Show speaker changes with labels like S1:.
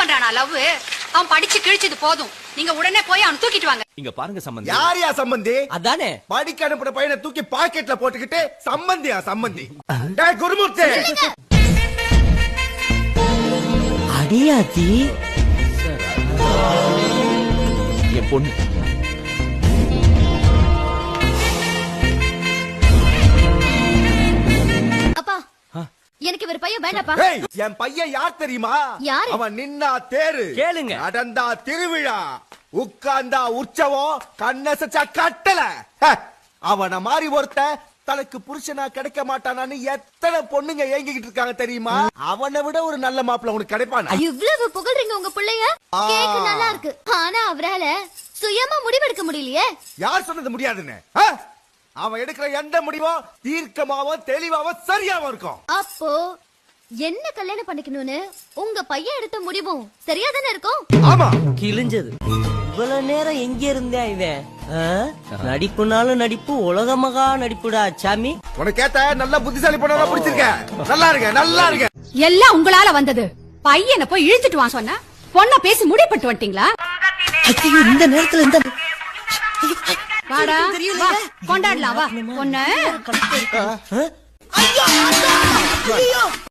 S1: பண்றானா லவ்? அவன் படிச்சு கிழிச்சது போதும். நீங்க உடனே போய் அவன் தூக்கிட்டு வாங்க.
S2: இங்க பாருங்க சம்பந்தி.
S3: யாரையா சம்பந்தி?
S4: அதானே
S3: படிக்க அனுப்புற பையனை தூக்கி பாக்கெட்ல போட்டுக்கிட்டு சம்பந்தியா சம்பந்தி? டேய் குருமூர்த்தி,
S4: அடியாத்தி
S2: என் பொண்ணு
S5: அப்பா எனக்கு இவர் பையன் வேண்டாப்பா.
S3: ஏய் என் பையன் யார் தெரியுமா?
S5: யாரு?
S3: அவன் நின்னா தேரு,
S4: கேளுங்க.
S3: நடந்தா திருவிழா, உட்கார்ந்தா உற்சவம், கண்ணசச்சா கட்டல. அவன மாதிரி ஒருத்த தனக்கு புருஷனா கிடைக்க மாட்டானான்னு எத்தனை பொண்ணுங்க ஏங்கிக்கிட்டு இருக்காங்க தெரியுமா? அவனை விட ஒரு நல்ல மாப்பிள்ள உனக்கு கிடைப்பானா?
S5: இவ்வளவு புகழ்றீங்க உங்க பிள்ளைய, கேக்க நல்லா இருக்கு. ஆனா அவரால சுயமா முடிவெடுக்க முடியலையே.
S3: யார் சொன்னது முடியாதுன்னு? அவன் எடுக்கிற எந்த முடிவும் தீர்க்கமாவும் தெளிவாவும் சரியாவும் இருக்கும்.
S5: அப்போ என்ன கல்யாணம் பண்ணிக்கணும்னு உங்க பையன் எடுத்த முடிவும் சரியா தானே இருக்கும்?
S3: ஆமா,
S4: கிழிஞ்சது. இவ்வளவு நேரம் எங்க இருந்தே இவன்? நடிப்புனாலும் நடிப்பு, உலக மகா நடிப்புடா சாமி.
S3: உனக்கு ஏத்த நல்ல புத்திசாலி பொண்ணா பிடிச்சிருக்க. நல்லா இருக்க, நல்லா இருக்க.
S1: எல்லாம் உங்களால வந்தது. பையனை போய் இழுத்துட்டு வா சொன்ன பொண்ண பேசி முடிப்பட்டு வந்துட்டீங்களா?
S4: ஐயோ, இந்த நேரத்துல இந்த
S1: வாடா வா, கொண்டாடலாம் வா. பொண்ணு
S4: ஐயோ